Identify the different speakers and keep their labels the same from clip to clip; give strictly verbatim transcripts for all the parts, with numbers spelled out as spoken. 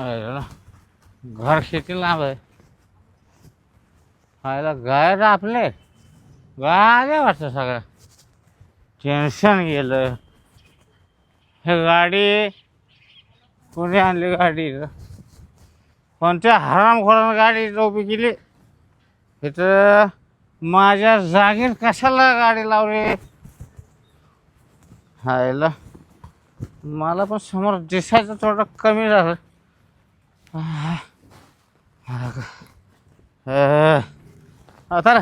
Speaker 1: अरे, घर किती लांब आहे. आयला गाय आपले गाय आले वाटतं सगळं. टेन्शन गेलं. हे गाडी कोणी आणली गाडी? कोणत्या हरामखोरानं गाडी उभी केली इथं? माझ्या जागेत कशाला गाडी लावली? हायला मला पण समोर दिसायचं थोडं कमी झालं. तर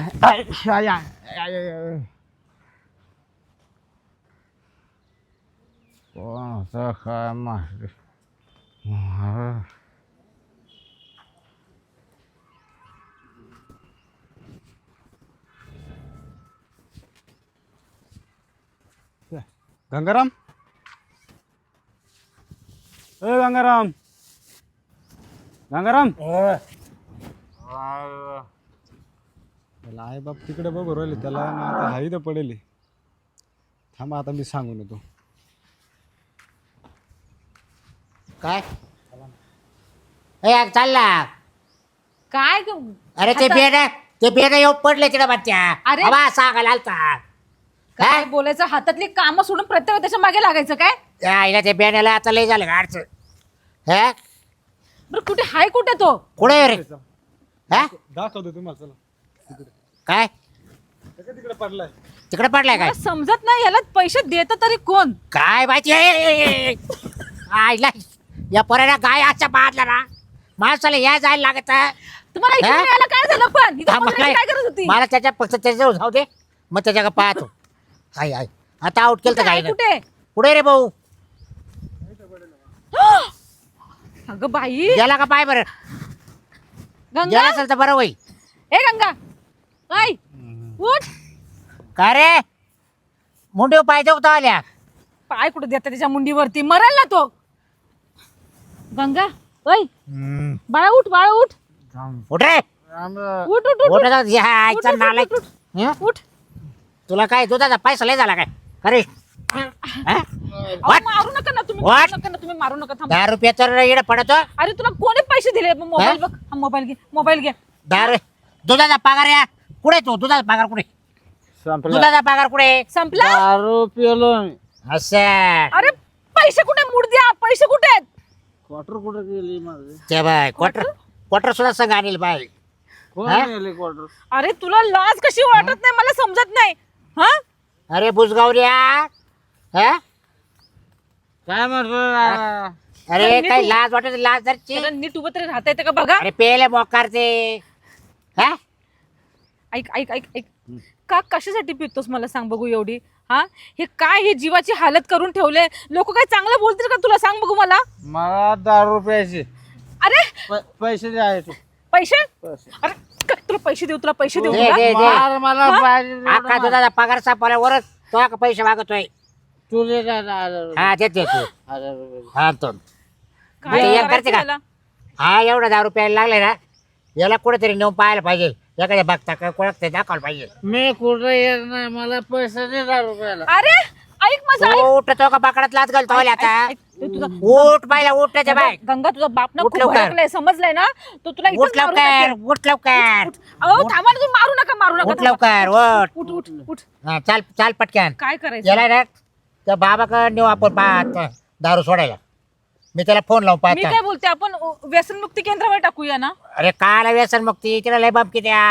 Speaker 1: कोणाचं काय माहिती.
Speaker 2: गंगाराम, ए गंगाराम, गंगाराम. त्याला आई बाप तिकडे बघू राहिले, त्याला ना आता हाई तर पडेल. थांबा आता मी सांगून येतो.
Speaker 3: काय ए चालला
Speaker 4: काय ग-
Speaker 3: अरे ते
Speaker 4: आता-
Speaker 3: बेड ते बेड येऊ पडले तिकडे बच्च्या.
Speaker 4: अरे.
Speaker 3: अरे सांगायला आलता
Speaker 4: काय
Speaker 3: काय?
Speaker 4: बोलायचं? हातातली कामं सोडून प्रत्येक वेळी त्याच्या मागे लागायचं काय?
Speaker 3: त्या आईला ते बेड्याला आता लय झालं गाडचं. हे
Speaker 4: बरं कुठे हाय? कुठे तो?
Speaker 3: कुठे रे? हा
Speaker 2: दाखवतो तुम्हाला, चला.
Speaker 3: काय
Speaker 2: तिकडे तिकडे पडलाय.
Speaker 3: तिकडे पडलाय काय?
Speaker 4: मला समजत नाही, याला पैसे देत तरी कोण?
Speaker 3: काय माहिती आहे? आईला या पोराला गाय आजच्या बादला ना माणसाला या जायला लागत.
Speaker 4: तुम्हाला इकडे
Speaker 3: हा?
Speaker 4: यायला काय झालं पण? इथं बघण्याची काय गरज होती?
Speaker 3: मला त्याच्या फक्त त्याच्याजवळ जाऊ दे, मग त्याच्या पाहतो. आई आई आता आउट केलं तर
Speaker 4: कुठे
Speaker 3: काय
Speaker 4: आहे? कुठे?
Speaker 3: पुढे रे भाऊ.
Speaker 4: अगं बाई,
Speaker 3: गेला का पाय बरं?
Speaker 4: गंगा.
Speaker 3: गेला असेल तर बरं होईल.
Speaker 4: ए गंगा, काय उठ.
Speaker 3: काय रे मुंडे पाय देऊ आल्या?
Speaker 4: पाय कुठे देता त्याच्या मुंडीवरती? मरेल ना तो. गंगा, ओय बाळा उठ, बाळा उठ.
Speaker 3: उठ रे.
Speaker 4: उठ उठ उठ
Speaker 3: उठ
Speaker 4: उठ.
Speaker 3: जाऊ दे. हा,
Speaker 4: उठ,
Speaker 3: आईचा
Speaker 4: उठ,
Speaker 3: नालायक.
Speaker 4: उठ, उठ.
Speaker 3: हं?
Speaker 4: उठ.
Speaker 3: तुला काय दुधाचा पैसा लय झाला काय? अरे
Speaker 4: अहो, मारू नका ना तुम्ही,
Speaker 3: What?
Speaker 4: मारू नका ना तुम्ही, मारू नका. थांब.
Speaker 3: दहा रुपये तर इकडे पडतो.
Speaker 4: अरे तुला कोणी पैसे दिले? मोबाईल बघ, हा मोबाईल घे, मोबाईल घे.
Speaker 3: दहा रु- दुधाचा पगार या कुठे? तू दुधाचा पगार कुठे?
Speaker 1: संपला.
Speaker 3: दुधाचा पगार कुठे?
Speaker 4: संपला?
Speaker 1: दारू पिलो मी.
Speaker 3: असं
Speaker 4: अरे पैसे कुठे? मूड द्या, पैसे कुठे आहेत?
Speaker 1: क्वार्टर कुठे गेली माझे?
Speaker 3: ते बाय क्वार्टर क्वार्टर सुद्धा संघ आणील बाय.
Speaker 1: कोण
Speaker 3: हा?
Speaker 1: गेली क्वार्टर?
Speaker 4: अरे तुला लाज कशी वाटत नाही? मला समजत नाही. हा
Speaker 3: अरे बुजगावऱ्या. हा?
Speaker 1: काय म्हणतो?
Speaker 3: अरे
Speaker 4: नीट
Speaker 3: काही
Speaker 4: उभं-
Speaker 3: लाज वाटत लाज धरची.
Speaker 4: त्याला नीट उभं तरी राहता येतं का बघा.
Speaker 3: अरे पेले मोकारते. हा
Speaker 4: ऐक ऐक ऐक ऐक का कशासाठी पितोस मला सांग बघू एवढी? हा हे काय, हे जीवाची हालत करून ठेवले. लोक काय चांगलं बोलतील का तुला? सांग बघू मला.
Speaker 1: मला दारू प्यायचे
Speaker 4: अरे
Speaker 1: पैसे द्यायचे.
Speaker 4: पैसे?
Speaker 1: पैसे.
Speaker 4: अरे काय तुला पैसे देऊ? तुला पैसे देऊ
Speaker 3: दे,
Speaker 4: तुला?
Speaker 3: दे, दे.
Speaker 1: मार मला
Speaker 4: हा?
Speaker 1: पाहिजे तेवढं
Speaker 3: अख्खा
Speaker 1: मार.
Speaker 3: दुधाचा पगार सापवल्यावरच तो का पैसे मागतोय.
Speaker 1: तू दे का ना हजार रुपये?
Speaker 3: हा देते तू.
Speaker 1: हजार रुपये.
Speaker 3: हा तो
Speaker 4: काय
Speaker 3: हे
Speaker 4: करायचं
Speaker 3: करते का?
Speaker 4: याला?
Speaker 3: हा एवढा दहा रुपयाला लागले ना, याला कुठेतरी नेऊन पाहायला पाहिजे. एखाद्या बघता का कोळखते दाखवायला पाहिजे.
Speaker 1: मी कुठं येत नाही, मला पैसे दे दारू रुपयाला.
Speaker 4: अरे ऐक माझं, ऐक.
Speaker 3: उठ तो का बाकडात लाच घालतो आता.
Speaker 4: ऐक, ऐक. तुझा
Speaker 3: उठ पाहिला उठ त्याच्या बाय.
Speaker 4: गंगा, तुझा बाप ना
Speaker 3: उठ
Speaker 4: खूप
Speaker 3: लवकर.
Speaker 4: भडकलाय, समजलंय ना? तो तुला
Speaker 3: उठ
Speaker 4: इथंच मारून
Speaker 3: लवकर
Speaker 4: टाकेल.
Speaker 3: उठ लवकर
Speaker 4: अहो थांबा ना, तुम्ही मारू नका, मारू नका.
Speaker 3: उठ
Speaker 4: थांबा.
Speaker 3: लवकर उठ.
Speaker 4: उठ उठ उठ.
Speaker 3: हा, चाल चाल पटक्यान.
Speaker 4: काय करायचं?
Speaker 3: याला ना त्या बाबाकडे नेऊ आपण पाहत दारू सोडायला. मी त्याला फोन लावून
Speaker 4: मी
Speaker 3: पाहता.
Speaker 4: काय बोलते, आपण अ, व्यसनमुक्ती केंद्रावर टाकूया ना?
Speaker 3: अरे काला व्यसन मग ती तिला लय बमकी द्या.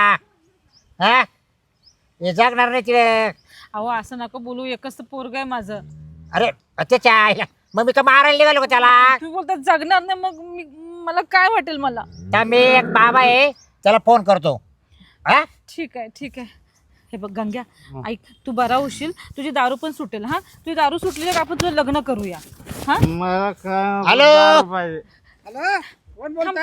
Speaker 3: हा हे जगणार नाही तिला.
Speaker 4: अहो असं नका बोलू, एकच तर पोरग आहे माझं.
Speaker 3: अरे त्याच्या आईला मग मी का मारायला निघालो का त्याला?
Speaker 4: तुम्ही बोलता जगणार नाही, मग मी मला काय वाटेल मला?
Speaker 3: तर मी एक बाबा आहे त्याला फोन करतो. हा
Speaker 4: ठीक आहे ठीक आहे. हे बघ गंग्या, ऐक, तू बरा होशील, तुझी दारू पण सुटेल. हा तुझी दारू सुटली तर आपण तुझं लग्न करूया. हा
Speaker 1: मला काय
Speaker 3: हॅलो?
Speaker 1: दारू पाहिजे.
Speaker 5: हॅलो, कोण बोलता?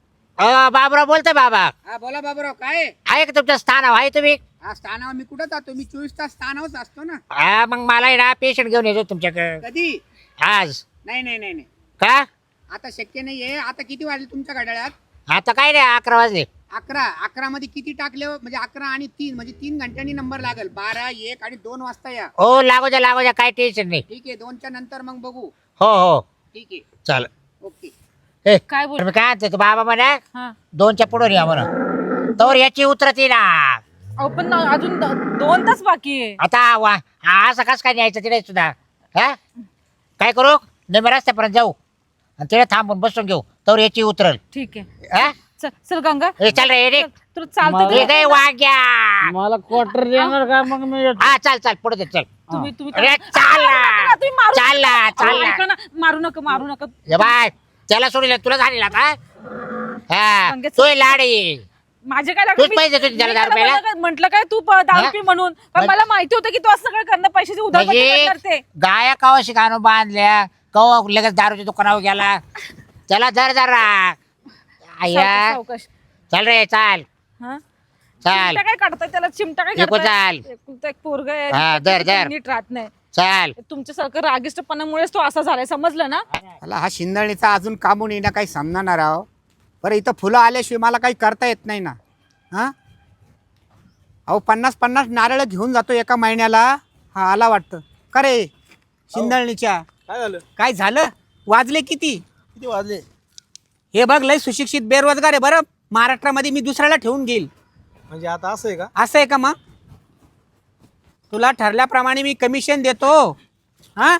Speaker 3: अ, बाबूराव बोलतोय बाबा.
Speaker 5: हा बोला बाबूराव, काय आहे?
Speaker 3: आहे का तुमचं स्थान आहे तुम्ही?
Speaker 5: हा स्थानावर मी कुठं जातो? मी चोवीस तास स्थानावरच असतो ना.
Speaker 3: हा मग मला आहे ना पेशंट घेऊन येतो तुमच्याकडे
Speaker 5: कधी?
Speaker 3: आज.
Speaker 5: नाही नाही नाही नाही
Speaker 3: का
Speaker 5: आता शक्य नाहीये. आता किती वाजले तुमच्या घड्याळात?
Speaker 3: आता काय नाही अकरा वाजले.
Speaker 5: अकरा. अकरा मध्ये किती टाकले हो? म्हणजे अकरा आणि तीन म्हणजे तीन घंट्यांनी नंबर लागेल. बारा, एक आणि दोन वाजता या.
Speaker 3: हो लागू द्या लागू द्या काय टेन्शन नाही.
Speaker 5: ठीक आहे, दोनच्या नंतर मग बघू.
Speaker 3: हो हो
Speaker 5: ठीक आहे,
Speaker 3: चाल.
Speaker 5: ओके.
Speaker 3: ए,
Speaker 4: काय बोल
Speaker 3: मी काय म्हणते, तू बाबा म्हणा
Speaker 4: हा
Speaker 3: दोनच्या पुढे या म्हणा तर याची उतरती ना.
Speaker 4: अहो पण अजून द- दोन तास बाकी आहे.
Speaker 3: आता वा हा असं कसं काय न्यायचं तिथे सुद्धा हा काय करू नेहमी रस्त्यापर्यंत जाऊ आणि तिथे थांबून बसून घेऊ तर याची उतरल.
Speaker 4: ठीक आहे
Speaker 3: हा
Speaker 4: चल चल गंगा
Speaker 3: ए, चल रे रे
Speaker 4: चल, तुला चालतं
Speaker 3: ये
Speaker 4: ते-
Speaker 3: काय वाग्या
Speaker 1: मला क्वार्टर देणार का मग मी येतो.
Speaker 3: हा चाल चाल पुढे दे चल.
Speaker 4: तुम्ही तुम्ही
Speaker 3: अरे चाल ना
Speaker 4: तुम्ही मारू
Speaker 3: चाल ना
Speaker 4: अहो,
Speaker 3: चाल
Speaker 4: ऐका
Speaker 3: ना
Speaker 4: ना, मारू नका मारू नका
Speaker 3: ये बाय त्याला सोडलं तुला झालेला का हा
Speaker 4: संगीत-
Speaker 3: तू लाडी
Speaker 4: माझे काय
Speaker 3: तूच पैसे देतो त्याला दारू प्यायला?
Speaker 4: म्हटलं काय तू प- दारू
Speaker 3: हा?
Speaker 4: पी म्हणून पण
Speaker 3: म्हणजे-
Speaker 4: मला माहिती होतं की तू असं सगळं करणं पैशाची उधळपट्टी
Speaker 3: म्हणजे
Speaker 4: करते.
Speaker 3: गाया कवा शिकानो बांधल्या कवा लगेच दारूच्या दुकानावर गेला त्याला धर जरा आया
Speaker 4: सावकाश, सावकाश.
Speaker 3: चल रे चाल
Speaker 4: हा?
Speaker 3: चाल
Speaker 4: चिमटा काय काढताय त्याला चिमटा काय
Speaker 3: एको
Speaker 4: काढताय?
Speaker 3: चाल.
Speaker 4: एकुलता एक पोरग आहे
Speaker 3: हा, धर,
Speaker 4: त्याचं
Speaker 3: धर.
Speaker 4: नीट राहत नाही.
Speaker 3: चाल
Speaker 4: तुमच्यासारखं रागिष्टपणामुळेच तो असा झालाय समजलं ना.
Speaker 5: मला हा शिंदळीचा अजून कामून येणं काही समजणार आहो. बरं इथं फुलं आल्याशिवाय मला काही करता येत नाही ना. हां अहो पन्नास पन्नास नारळ घेऊन जातो एका महिन्याला. हा आला वाटतं का रे शिंदळणीच्या
Speaker 2: काय झालं
Speaker 5: काय झालं वाजले किती
Speaker 2: किती वाजले
Speaker 5: हे बघ लय सुशिक्षित बेरोजगार आहे बरं महाराष्ट्रामध्ये मी दुसऱ्याला ठेवून घेईल
Speaker 2: म्हणजे आता असं आहे का
Speaker 5: असं आहे का मग तुला ठरल्याप्रमाणे मी कमिशन देतो. हा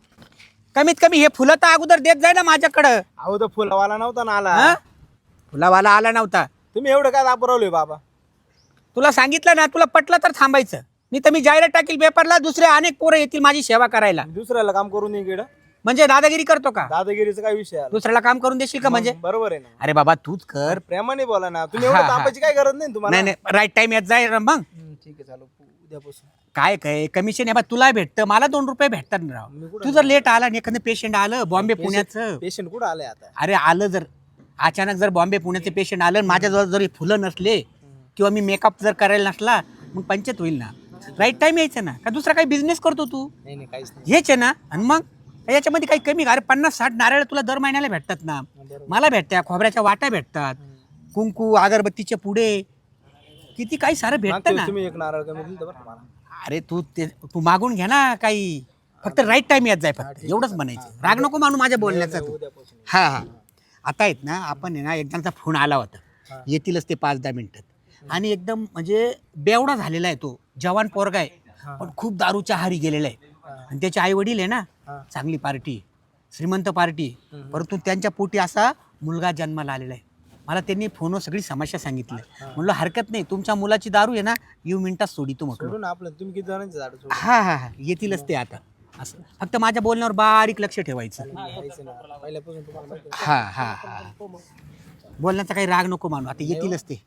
Speaker 5: कमीत कमी हे फुलं तर अगोदर देत जाय ना माझ्याकडं.
Speaker 2: अहो तर फुलावाला नव्हता ना आला
Speaker 5: हा फुलावाला आला नव्हता.
Speaker 2: तुम्ही एवढं काय दाबरवलोय बाबा
Speaker 5: तुला सांगितलं ना तुला पटलं तर थांबायचं नाही तर मी जाहिरात टाकील पेपरला दुसरे अनेक पोरं येतील माझी सेवा करायला.
Speaker 2: दुसऱ्याला काम करून इकडं
Speaker 5: म्हणजे दादागिरी करतो का
Speaker 2: दादागिरीचा काय विषय आला
Speaker 5: दुसऱ्याला काम करून देशील का म्हणजे
Speaker 2: मग बरोबर आहे ना
Speaker 5: अरे बाबा तूच कर.
Speaker 2: प्रेमाने बोला ना तुम्ही
Speaker 5: हा,
Speaker 2: एवढं
Speaker 5: हा.
Speaker 2: तापायची काय गरज नाही ना तुम्हाला
Speaker 5: नाही नाही राईट टाइम येत जाय मग
Speaker 2: हम्म, ठीक आहे चालू उद्यापासून
Speaker 5: काय काय कमिशन आहे तुला भेटतं मला दोन रुपये भेटतात ना राव. तू जर लेट आला आणि एखादं पेशंट आलं बॉम्बे पुण्याचं
Speaker 2: पेशंट कुठं आलाय आता
Speaker 5: अरे आलं जर अचानक जर बॉम्बे पुण्याचे पेशंट आलं आणि माझ्याजवळ जरी फुलं नसले किंवा मी मेकअप जर करायला नसला मग पंचायत होईल ना. राईट टाइम यायचं ना का दुसरा काही बिझनेस करतो तू
Speaker 2: नाही नाही काहीच नाही
Speaker 5: हेच आहे ना. आणि मग याच्यामध्ये काही कमी अरे पन्नास साठ नारळ तुला दर महिन्याला भेटतात ना. मला भेटत्या खोबऱ्याच्या वाट्या भेटतात कुंकू अगरबत्तीचे पुढे किती काही सारं भेटतं
Speaker 2: मागच्या
Speaker 5: ना.
Speaker 2: वेळेस तुम्ही एक नारळ कमी दिलं होतं बरं का मला
Speaker 5: अरे तू ते तू मागून घे ना काही फक्त राईट टाइम येत जाय फक्त एवढंच म्हणायचं. राग नको मानू माझ्या बोलण्याचा तू.
Speaker 2: उद्यापासून
Speaker 5: हा हा आता आहेत ना आपण आहे ना एकदाचा फोन आला होता येतीलच ते पाच दहा मिनिटात आणि एकदम म्हणजे बेवडा झालेला आहे तो जवान पोरगा आहे पण खूप दारूच्या हारी गेलेला आहे आणि त्याचे आई वडील आहे ना चांगली पार्टी श्रीमंत पार्टी परंतु त्यांच्या पोटी असा मुलगा जन्माला आलेला आहे. मला त्यांनी फोनवर सगळी समस्या सांगितली म्हणलं हरकत नाही तुमच्या मुलाची दारू आहे ना येऊ मिनिटात सोडितो म्हटलं.
Speaker 2: सोडून आपलं तुम्ही किती जणांचे झाड सोडून
Speaker 5: हा हा हा येतीलच ते आता असं फक्त माझ्या बोलण्यावर बारीक लक्ष ठेवायचं.
Speaker 2: यायचं ना. पहिल्यापासून तुम्हाला माहिती आहे.
Speaker 5: हा हा हा बोलण्याचा काही राग नको मानू आता येतीलच ते.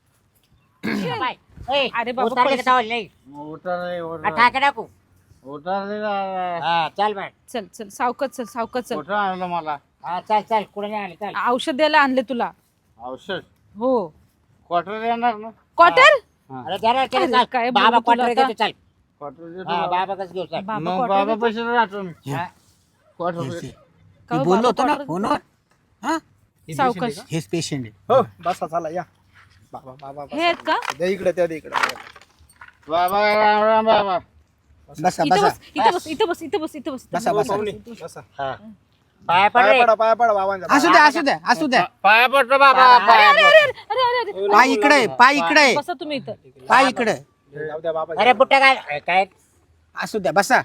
Speaker 3: बाय. ए,
Speaker 4: अरे बाबा,
Speaker 3: उतारले का
Speaker 4: पैसे-
Speaker 3: चावल नाही
Speaker 1: उतार रे,
Speaker 3: हा,
Speaker 1: उतार.
Speaker 3: ठाके टाकू
Speaker 1: उतार रे ना.
Speaker 3: हा चल बाय
Speaker 4: चल चल सावकाश चल सावकाश चल.
Speaker 1: कुठं आणलं मला
Speaker 3: हा चल चल कुठे नाही आले चल
Speaker 4: औषध द्यायला आणले तुला.
Speaker 1: औषध
Speaker 4: हो
Speaker 1: क्वार्टर येणार ना
Speaker 4: क्वार्टर
Speaker 3: अरे जरा चल
Speaker 4: अरे,
Speaker 3: चल
Speaker 4: काय
Speaker 3: बाबा
Speaker 4: बोलू तुला
Speaker 3: क्वार्टर
Speaker 4: आता?
Speaker 3: देतो चल
Speaker 1: क्वार्टर देतो
Speaker 3: हा
Speaker 1: बाबा.
Speaker 3: बाबा कसं घेऊ चल
Speaker 4: बाबा
Speaker 1: मग
Speaker 4: quarter
Speaker 1: बाबा
Speaker 4: देतो?
Speaker 1: पैसे राहतो मी
Speaker 5: हे-
Speaker 1: क्वार्टर
Speaker 5: हेच
Speaker 1: दे.
Speaker 5: ते.
Speaker 4: का
Speaker 5: मी
Speaker 4: हो,
Speaker 5: बोललो
Speaker 4: बाबा
Speaker 5: होतो ना
Speaker 4: quarter
Speaker 5: फोनवर हा
Speaker 2: हे
Speaker 4: सावकाश.
Speaker 2: patient
Speaker 5: हेच पेशंट आहे.
Speaker 2: आहे का? हो बसा चला या बाबा बाबा
Speaker 4: हे आहेत का
Speaker 2: द्या इकडे त्या इकडे
Speaker 1: बाबा राम राम बाबा.
Speaker 5: बसा
Speaker 4: इथं
Speaker 5: बसा
Speaker 4: बस इथं बस इथं बस इथं बस इथं बस
Speaker 5: बसा बसा
Speaker 2: पाहुणे बसा
Speaker 3: हा पाया पड
Speaker 2: पाया
Speaker 3: रे
Speaker 2: पडा पाया पडा बाबांच्या
Speaker 5: असू द्या असू द्या असू द्या
Speaker 1: पाया पडतो बाबा
Speaker 3: अरे,
Speaker 1: पाया
Speaker 4: अरे अरे अरे अरे अरे
Speaker 5: पाय इकडे पाय इकडे
Speaker 4: बसा तुम्ही इथं.
Speaker 5: पाय इकडे
Speaker 2: जाऊ द्या बाबा
Speaker 3: अरे बुट्टा काय काय
Speaker 5: असू द्या बसा.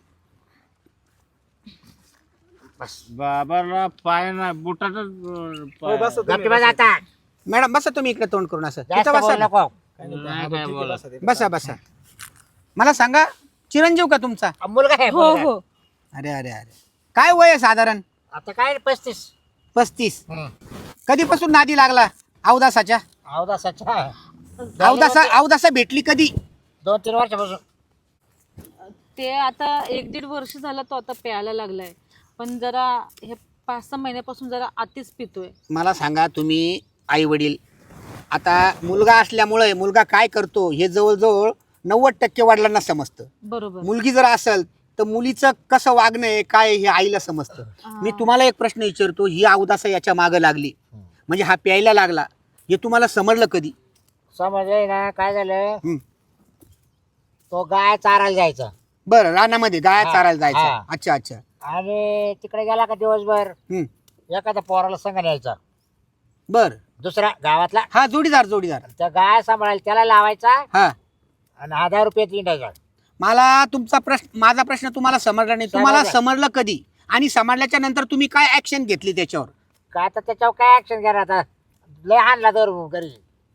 Speaker 1: बाबाला पाय ना बुटाच
Speaker 2: हो, बसा तुम्ही,
Speaker 3: गप्पी बस
Speaker 2: बसा.
Speaker 3: आता
Speaker 5: मॅडम बसा तुम्ही इकडे तोंड करून असं
Speaker 3: जास्त
Speaker 5: तिथं
Speaker 3: बोलू
Speaker 5: बसा
Speaker 3: नको
Speaker 2: काय नाही,
Speaker 1: नाही
Speaker 2: हा,
Speaker 1: काय
Speaker 2: ठीक आहे,
Speaker 1: बोला.
Speaker 2: बसा तिकडे.
Speaker 5: बसा बसा मला सांगा चिरंजीव का तुमचा
Speaker 3: मुलगा आहे
Speaker 4: हो
Speaker 3: मुलगा.
Speaker 4: हो
Speaker 5: अरे अरे अरे काय वय आहे साधारण
Speaker 3: आता काय पस्तीस
Speaker 5: पस्तीस कधीपासून नादी लागला अवदासाच्या
Speaker 3: अवदासाच्या
Speaker 5: अवदासा अवदासा भेटली कधी
Speaker 3: दोन तीन वर्षापासून
Speaker 4: ते आता एक दीड वर्ष झालं तो आता प्यायला लागलाय पण जरा हे पाच सहा महिन्यापासून जरा आतीच पितोय.
Speaker 5: मला सांगा तुम्ही आई वडील आता मुलगा असल्यामुळे मुलगा काय करतो हे जवळजवळ नव्वद टक्के वडिलांना समजतं.
Speaker 4: बरोबर
Speaker 5: मुलगी जर असेल तर मुलीचं कसं वागणं आहे काय हे आईला समजतं. मी तुम्हाला एक प्रश्न विचारतो ही अवदासा याच्या मागं लागली म्हणजे हा प्यायला लागला हे तुम्हाला समजलं कधी?
Speaker 3: समजलंय ना काय झालं
Speaker 5: हं.
Speaker 3: तो गाय चारायला जायचा
Speaker 5: बरं रानामध्ये गाया
Speaker 3: हा,
Speaker 5: चारायला जायचं
Speaker 3: हा.
Speaker 5: अच्छा अच्छा
Speaker 3: आणि तिकडे गेला का दिवसभर
Speaker 5: हं.
Speaker 3: एखाद्या पोराला संग न्यायचा
Speaker 5: बर
Speaker 3: दुसरा गावातला
Speaker 5: हा जोडीदार जोडीदार
Speaker 3: त्या गाय सांभाळायला त्याला लावायचा
Speaker 5: हा
Speaker 3: आणि हजार रुपये इंडायचा.
Speaker 5: मला तुमचा प्रश्न माझा प्रश्न तुम्हाला समजला नाही. तुम्हाला
Speaker 3: समजला.
Speaker 5: समजलं कधी आणि समजल्याच्या नंतर तुम्ही काय ऍक्शन घेतली त्याच्यावर?
Speaker 3: काय आता त्याच्यावर काय ऍक्शन घ्या आता लय आणला दर घरी.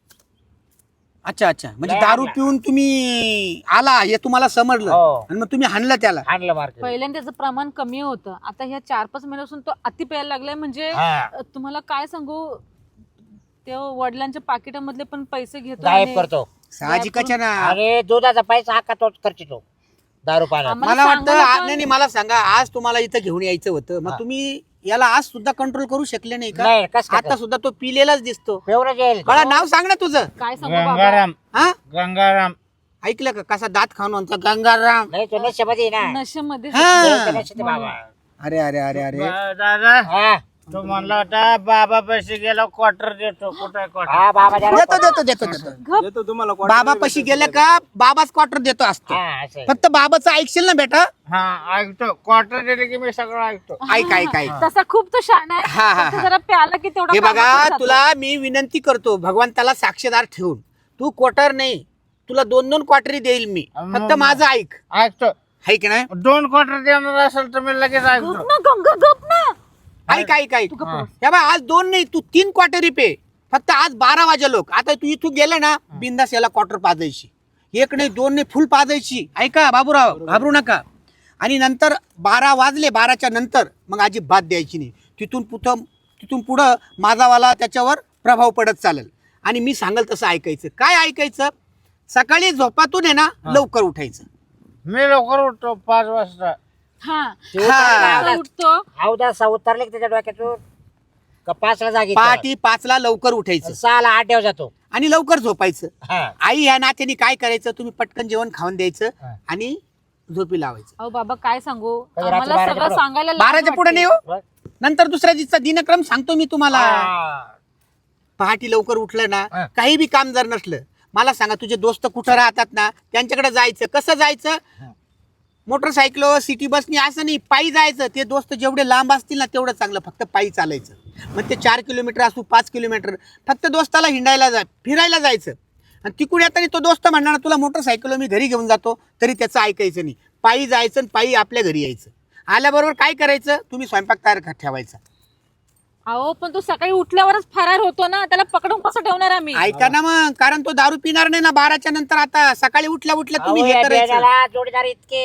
Speaker 5: अच्छा अच्छा म्हणजे
Speaker 3: लय
Speaker 5: दारू
Speaker 3: आणला.
Speaker 5: पिऊन तुम्ही आला हे तुम्हाला समजलं
Speaker 3: हो.
Speaker 5: आणि मग तुम्ही हाणलं त्याला.
Speaker 3: आणलं मार्केट.
Speaker 4: पहिल्यांदा त्याचं प्रमाण कमी होतं, आता ह्या चार पाच महिन्यापासून तो अति प्यायला लागलाय. म्हणजे
Speaker 3: हा.
Speaker 4: अ, तुम्हाला काय सांगू, ते वडिलांच्या पाकिटामधले पण पैसे घेतो
Speaker 3: गायब
Speaker 4: आणि
Speaker 3: करतो.
Speaker 5: साहजिकच आहे ना.
Speaker 3: अरे दुधाचा पैसा हा का तोच खर्चितो दारू पाण्यात.
Speaker 4: आम्हाला
Speaker 5: मला वाटतं
Speaker 4: सांगायला
Speaker 5: आ-
Speaker 4: पण-
Speaker 5: नाही नाही, मला सांगा आज तुम्हाला इथं घेऊन यायचं होतं मग
Speaker 3: हा.
Speaker 5: तुम्ही याला आज सुद्धा कंट्रोल करू शकले नाही का?
Speaker 3: नाही कस
Speaker 5: आता सुद्धा तो पिलेलाच दिसतो.
Speaker 3: पेवरच येईल.
Speaker 5: मला नाव सांग ना तुझं.
Speaker 4: काय सांगू बाबा,
Speaker 1: गंगाराम
Speaker 5: हा
Speaker 1: गंगाराम
Speaker 5: ऐकलं का कसा दात खाऊन म्हणतो गंगाराम.
Speaker 3: नाही तो नशेमध्ये आहे ना.
Speaker 4: नशेमध्ये
Speaker 5: हा.
Speaker 3: ते तर नशेत आहे बाबा.
Speaker 5: अरे अरे अरे अरे
Speaker 1: बा- दादा
Speaker 3: हा.
Speaker 1: तो म्हणला होता बाबा पैसे गेला क्वार्टर देतो. कुठे क्वार्टर?
Speaker 3: हा बाबा जरा-
Speaker 5: देतो देतो देतो देतो
Speaker 2: येतो तुम्हाला
Speaker 5: बाबा पशी गेलं का बाबाच क्वार्टर देतो असतो.
Speaker 3: हा, असं आहे.
Speaker 5: फक्त बाबाचं ऐकशील ना बेटा.
Speaker 1: हा ऐकतो. क्वार्टर दिले की मी सगळं ऐकतो.
Speaker 5: ऐक ऐक ऐक
Speaker 4: तसा खूप तो शहाणा आहे.
Speaker 5: हा, हा,
Speaker 4: फक्त
Speaker 5: हा.
Speaker 4: जरा प्याला की तेवढा
Speaker 5: हे
Speaker 4: कामात
Speaker 5: बघा
Speaker 4: जातो.
Speaker 5: तुला मी विनंती करतो भगवंताला साक्षीदार ठेवून तू क्वार्टर नाही तुला दोन दोन क्वार्टरी देईल मी. फक्त माझं ऐक.
Speaker 1: ऐकतो.
Speaker 5: ऐक ना
Speaker 1: दोन क्वार्टर देणार असेल तर मी लगेच
Speaker 4: गप
Speaker 1: ऐकतो.
Speaker 4: ना गंगा, गप ना.
Speaker 5: ऐक ऐक ऐक हे बघ आज दोन नाही तू तीन क्वार्टरी पे. फक्त आज बारा वाजे लोक आता तू इथून गेलं ना बिंदास याला क्वार्टर पाजायची. एक नाही दोन नाही फुल पाजायची. ऐका बाबूराव घाबरू नका. आणि नंतर बारा वाजले बाराच्या नंतर मग अजिबात द्यायची नाही. तिथून पुढं तिथून पुढं माझावाला त्याच्यावर प्रभाव पडत चालेल. आणि मी सांगल तसं ऐकायचं. काय ऐकायचं? सकाळी झोपातून आहे ना लवकर उठायचं.
Speaker 1: मी लवकर उठतो पाच वाजता.
Speaker 4: हा
Speaker 3: ते उतरला
Speaker 4: आता
Speaker 3: अवदास.
Speaker 4: उठतो.
Speaker 3: अवदास उतरले की त्याच्या डोक्यातून का पाचला जागी
Speaker 5: पहाटे पाचला लवकर उठायचं
Speaker 3: सहाला आठ देव जातो.
Speaker 5: आणि लवकर झोपायचं.
Speaker 3: हा.
Speaker 5: आई ह्या नात्याने काय करायचं तुम्ही पटकन जेवण खाऊन द्यायचं
Speaker 3: हा.
Speaker 5: आणि झोपी लावायचं.
Speaker 4: अहो बाबा काय सांगू,
Speaker 3: कधी रात्री
Speaker 4: आम्हाला
Speaker 3: बाराच्या
Speaker 4: सगळं
Speaker 3: पुढं?
Speaker 4: सांगायला लाज
Speaker 5: बाराच्या पुढे नाही
Speaker 4: वाटते.
Speaker 5: हो. नंतर दुसऱ्या दिवसाचा दिनक्रम सांगतो मी तुम्हाला.
Speaker 3: हा.
Speaker 5: पहाटे लवकर उठलं ना
Speaker 3: हा.
Speaker 5: काही बी काम जर नसलं मला सांगा तुझे दोस्त कुठं राहतात ना त्यांच्याकडे जायचं. कसं जायचं? मोटरसायकल सिटी बसनी असं नाही पायी जायचं. ते दोस्त जेवढे लांब असतील ना तेवढं चांगलं. फक्त पायी चालायचं. मग ते चार किलोमीटर असू पाच किलोमीटर फक्त दोस्ताला हिंडायला जा फिरायला जायचं. आणि तिकडे येताना तो दोस्त म्हणणार तुला मोटरसायकल मी घरी घेऊन जातो तरी त्याचं ऐकायचं नाही. पायी जायचं आणि पायी आपल्या घरी यायचं. आल्याबरोबर काय करायचं तुम्ही स्वयंपाक तयार कर- ठेवायचा.
Speaker 4: अहो पण तो सकाळी उठल्यावरच फरार होतो ना, त्याला पकडून कसं ठेवणार आम्ही?
Speaker 5: ऐका ना मग कारण तो दारू पिणार नाही ना बाराच्या नंतर. आता सकाळी उठल्या उठल्या तुम्ही
Speaker 3: अहो,
Speaker 5: हे
Speaker 3: या
Speaker 5: करायचं.
Speaker 3: बेण्याला जोडीदार इतके.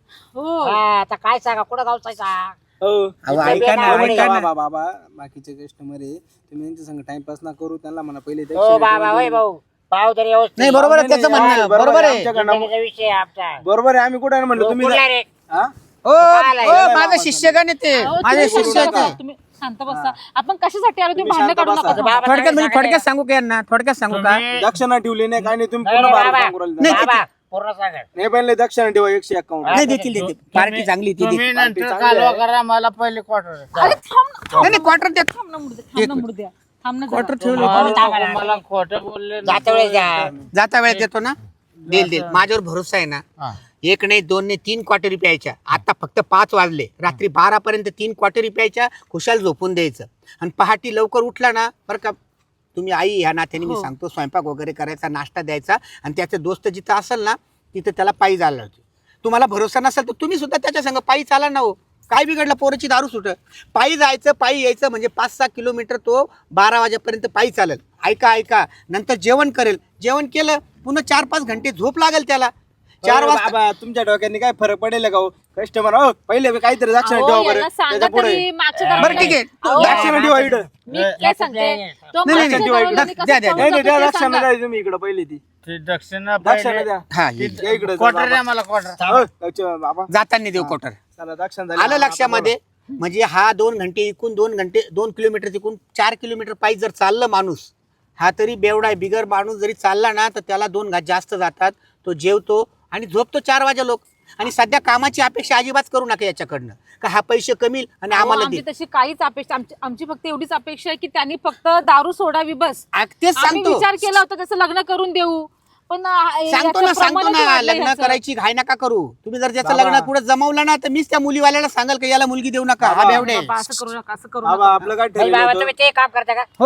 Speaker 4: हो
Speaker 3: हा, आता काय सांगा कुठं गावचायचा.
Speaker 2: हो
Speaker 5: अहो, ऐका ना
Speaker 3: बेना-
Speaker 5: ऐका ना
Speaker 2: बाबा बाबा बाकीचे कस्टमर आहे तुम्ही यांच्या संग टाइमपास ना करू त्यांना म्हणा पहिले
Speaker 3: हो
Speaker 2: दक्षिणा
Speaker 3: बाबा
Speaker 2: ठेवा
Speaker 3: होय
Speaker 2: देऊन.
Speaker 3: भाऊ पाव तरी व्यवस्थित.
Speaker 5: नाही बरोबर आहे
Speaker 2: नाही,
Speaker 5: त्याचं
Speaker 2: नाही,
Speaker 5: म्हणणं
Speaker 2: बरोबर
Speaker 5: बरोबर
Speaker 2: आहे.
Speaker 5: आहे.
Speaker 2: आमच्याकडनं-
Speaker 3: जिंदगीचा विषय आहे आमचा.
Speaker 2: बरोबर आहे आम्ही कुठे म्हणलं
Speaker 3: हो,
Speaker 2: तुम्ही
Speaker 3: कुठला रे?
Speaker 2: हा?
Speaker 5: ओ ओ, माझं शिष्यगण येते
Speaker 4: अहो,
Speaker 5: माझे
Speaker 4: तुम्ही
Speaker 5: शिष्य
Speaker 4: शांत बसा,
Speaker 5: येते.
Speaker 4: तुम्ही शांत बसा. आपण कशासाठी आलो तुम्ही
Speaker 2: तुम्ही
Speaker 4: भांडण
Speaker 2: शांत
Speaker 4: काढू
Speaker 2: बसा.
Speaker 4: नका.
Speaker 3: बाबा
Speaker 5: थोडक्यात म्हणजे
Speaker 3: सांगा
Speaker 5: थोडक्यात सांगू का यांना थोडक्यात सांगू का?
Speaker 1: तुम्ही-
Speaker 2: दक्षिणा ठेवली नाही काय नाही तुम्ही
Speaker 3: नाही,
Speaker 2: पूर्ण
Speaker 3: नाही,
Speaker 2: बारा
Speaker 3: बाबा.
Speaker 2: सांगू राहिले.
Speaker 5: नाही,
Speaker 3: बाबा पूर्ण सांगा.
Speaker 2: नाही पहिले दक्षिणा ठेवा एकशे अकाउंट
Speaker 5: नाही देतील देतील पार्टी चांगली ती
Speaker 1: तुम्ही
Speaker 5: देतील.
Speaker 1: नंतर
Speaker 2: चांगली
Speaker 1: कालवा
Speaker 2: आहे.
Speaker 1: करा मला पहिले क्वार्टर.
Speaker 4: अरे थांब ना, थांब
Speaker 5: नाही नाही क्वार्टर देत
Speaker 4: थांब ना मुर्द्या, थांब ना मुर्द्या, थांब ना जरा.
Speaker 5: क्वार्टर ठेवलं
Speaker 3: मला-
Speaker 1: मला खोटं बोलले ना.
Speaker 3: जाता वेळेस द्या.
Speaker 5: जाता वेळेत देतो ना देईल देईल माझ्यावर भरोसा आहे ना.
Speaker 1: हा.
Speaker 5: एक नाही दोन नाही तीन क्वार्टरी प्यायच्या. आता फक्त पाच वाजले रात्री बारा पर्यंत तीन क्वार्टरी प्यायच्या खुशाल झोपून द्यायचं. आणि पहाटे लवकर उठला ना बरं का तुम्ही आई ह्या नात्याने मी
Speaker 4: हो.
Speaker 5: सांगतो स्वयंपाक वगैरे करायचा नाश्ता द्यायचा. आणि त्याचे दोस्त जिथं असेल ना तिथं त्याला पायी जायला लावते. तुम्हाला भरोसा नसेल तर तुम्ही सुद्धा त्याच्या संग पायी चाला ना हो. काय बिघडलं पोराची दारू सुट पायी जायचं पायी यायचं म्हणजे पाच सहा किलोमीटर तो बारा वाजेपर्यंत पायी चालेल. ऐका ऐका नंतर जेवण करेल. जेवण केलं पुन्हा चार पाच घंटे झोप लागेल त्याला. चार वाजता
Speaker 2: बाबा तुमच्या डोक्याने काय फरक पडेल का हो कस्टमर हो पहिले काहीतरी दक्षिणा
Speaker 4: अहो,
Speaker 2: ठेवा
Speaker 4: याला
Speaker 2: बरं
Speaker 4: सांगा
Speaker 2: त्याच्या पुढे
Speaker 4: तरी मागच्या दरम्यान-
Speaker 5: बरं ठीक आहे.
Speaker 4: अहो,
Speaker 2: दक्षिणा ठेवा इकडं
Speaker 4: मी काय सांगते तो
Speaker 5: नाही,
Speaker 4: मागच्या
Speaker 5: नाही,
Speaker 4: दरम्यान
Speaker 5: द्या,
Speaker 4: कसं
Speaker 5: द्या, द्या.
Speaker 4: खाऊन
Speaker 2: नाही नाही
Speaker 4: जातो
Speaker 2: द्या
Speaker 4: ते
Speaker 2: दक्षिणा
Speaker 4: सांगा.
Speaker 2: द्या तुम्ही इकडं पहिली ती
Speaker 1: ती दक्षिणा
Speaker 2: दक्षिणा
Speaker 1: पहिले.
Speaker 2: द्या
Speaker 5: हा
Speaker 2: या इकडं
Speaker 1: क्वार्टर द्या मला क्वार्टर.
Speaker 2: हो, दक्षिणा बाबा
Speaker 5: जाताना देऊ क्वार्टर.
Speaker 2: चला दक्षिणा झाली.
Speaker 5: आलं लक्षामध्ये. म्हणजे हा दोन घंटे इकून दोन घंटे दोन किलोमीटर तिकून चार किलोमीटर पायी जर चाललं माणूस हा तरी बेवडा आहे. बिगर माणूस जरी चालला ना तर त्याला दोन घात जास्त जातात. तो जेवतो आणि झोपतो चार वाजे लोक. आणि सध्या कामाची अपेक्षा अजिबात करू नका याच्याकडनं का हा पैसे कमी आणि
Speaker 4: अहो,
Speaker 5: आम्हाला
Speaker 4: आमची
Speaker 5: दे.
Speaker 4: तशी काहीच अपेक्षा आमची आमची फक्त एवढीच अपेक्षा आहे की त्यांनी फक्त दारू सोडावी बस.
Speaker 5: आ, तेच
Speaker 4: आम्ही
Speaker 5: सांगतो
Speaker 4: विचार केला होता त्याचं लग्न करून देऊ पण आ,
Speaker 5: सांगतो
Speaker 4: याचं
Speaker 5: ना सांगतो
Speaker 4: प्रमाणच
Speaker 5: ना
Speaker 4: वाढलंय
Speaker 5: लग्न
Speaker 4: ह्याचं.
Speaker 5: करायची घाय नका करू. तुम्ही जर त्याचं
Speaker 2: बाबा.
Speaker 5: लग्न कुठं जमवलं ना तर मीच त्या मुलीवाल्याला सांगाल का याला मुलगी देऊ नका हा
Speaker 2: बाबा.
Speaker 5: बेवडे.
Speaker 4: बाबा, असं करू नका असं करू
Speaker 2: बाबा
Speaker 4: नका.
Speaker 2: आपलं काय
Speaker 3: नाही
Speaker 2: ठरलं
Speaker 3: बाबा
Speaker 2: होतं?
Speaker 3: तुम्ही ते काम करता का?
Speaker 5: हो